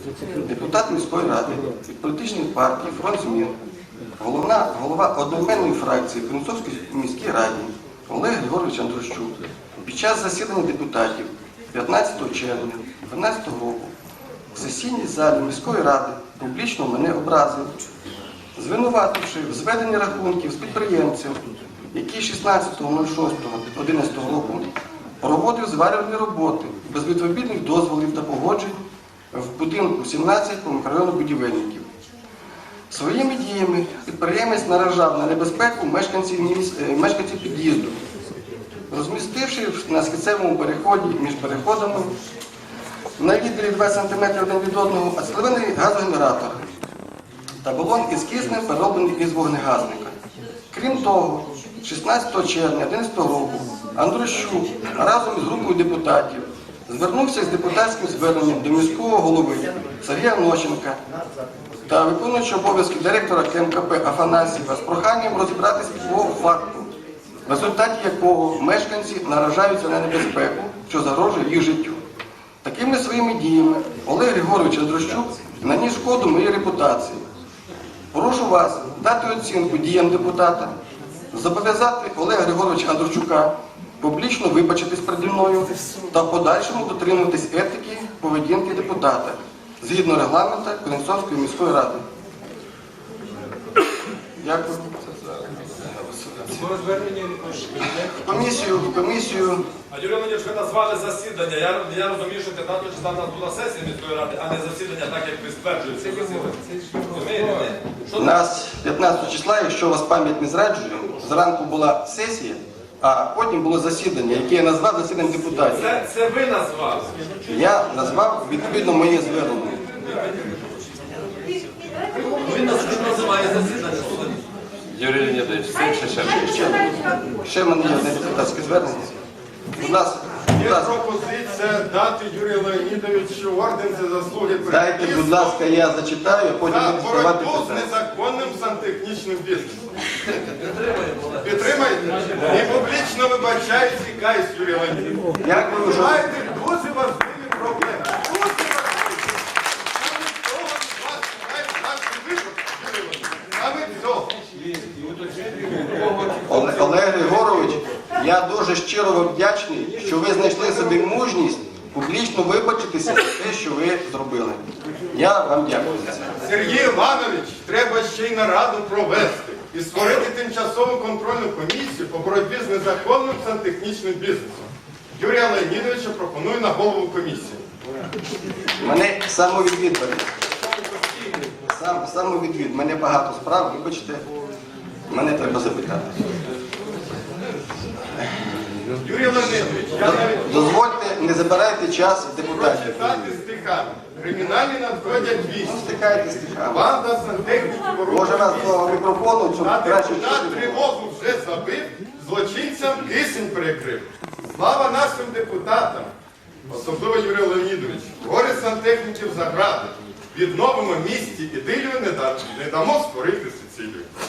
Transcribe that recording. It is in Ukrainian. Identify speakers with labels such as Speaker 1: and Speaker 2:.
Speaker 1: депутат міської ради від політичної партії «Фронт змін», голова одноіменної фракції в Кременчуцькій міській раді Олег Григорович Андрущук під час засідання депутатів 15 червня 2012 року в сесійній залі міської ради публічно мене образив, звинувативши в зведенні рахунків з підприємцем, який 16.06.2011 року проводив зварювальні роботи без відповідних дозволів та погоджень в будинку 17 по мікрорайону Будівельників. Своїми діями підприємець наражав на небезпеку мешканців під'їзду, розмістивши на східцевому переході між переходами на відділі 2 см один від одного ацетилений газогенератор та балон із киснем, перероблений із вогнегасника. Крім того, 16 червня 2011 року Андрущук разом із групою депутатів звернувся з депутатським зверненням до міського голови Сергія Нощенка та виконуючого обов'язки директора КМКП Афанасьєва з проханням розібратися по факту, в результаті якого мешканці наражаються на небезпеку, що загрожує їх життю. Такими своїми діями Олег Григорович Андрущук наніс шкоду моїй репутації. Прошу вас дати оцінку діям депутата, зобов'язати Олега Григоровича Андрущука публічно вибачитись переді мною та в подальшому дотримуватись етики поведінки депутата згідно регламенту Кременчуцької міської ради. Дякую. Комісію.
Speaker 2: А Юрій Леонідович, ви назвали засідання. Я розумію, що 15 числа в нас була сесія міської ради, а не засідання, так як ви стверджуєте.
Speaker 1: У нас 15 числа, якщо у вас пам'ять не зраджує, зранку була сесія, а потім було засідання, яке я назвав засіданням депутатів.
Speaker 2: Це ви назвали?
Speaker 1: Я назвав відповідно моє звернення.
Speaker 2: Він називає засідання.
Speaker 3: Юрій Леонідович,
Speaker 1: Ще в мене є одне депутатське звернення. Будь ласка.
Speaker 4: Є пропозиція дати Юрію Леонідовичу орден за заслуги перед
Speaker 1: Дайте, будь ласка, я зачитаю, а потім
Speaker 4: за
Speaker 1: буду ставати
Speaker 4: боротьбу з
Speaker 1: питання.
Speaker 4: незаконним сантехнічним бізнесом. Підтримайте? І публічно вибачаюсь і каюсь, Юрій Леонідович.
Speaker 1: Дякую,
Speaker 4: Ви
Speaker 1: що...
Speaker 4: маєте дуже важливі проблеми. Дуже важливі. Саме цього.
Speaker 1: Олег Григорович, я дуже щиро вам вдячний, що ви знайшли собі мужність публічно вибачитися за те, що ви зробили. Я вам дякую за це.
Speaker 4: Сергій Іванович, треба ще й нараду провести і створити тимчасову контрольну комісію по боротьбі з незаконним сантехнічним бізнесом. Юрія Леонідовича пропоную на голову комісії.
Speaker 1: Мене самовідвідування. Самовідвід. Мене багато справ, вибачте, мене треба запитати.
Speaker 4: Юрій Леонідович, я навіть
Speaker 1: Дозвольте, не забирайте час депутатів.
Speaker 4: прочитати стихами. Кримінальні надходять вісім.
Speaker 1: Стихайте стихами.
Speaker 4: Банда сантехніків
Speaker 1: Може вас
Speaker 4: ворог.
Speaker 1: до мікрофону, щоб
Speaker 4: А
Speaker 1: краще
Speaker 4: депутат
Speaker 1: чути.
Speaker 4: тривогу вже забив, злочинцям кисень перекрив. Слава нашим депутатам, особливо Юрію Леонідовичу, горе сантехніків загради. Відновимо місті ідилію, не дамо створити Сицилію.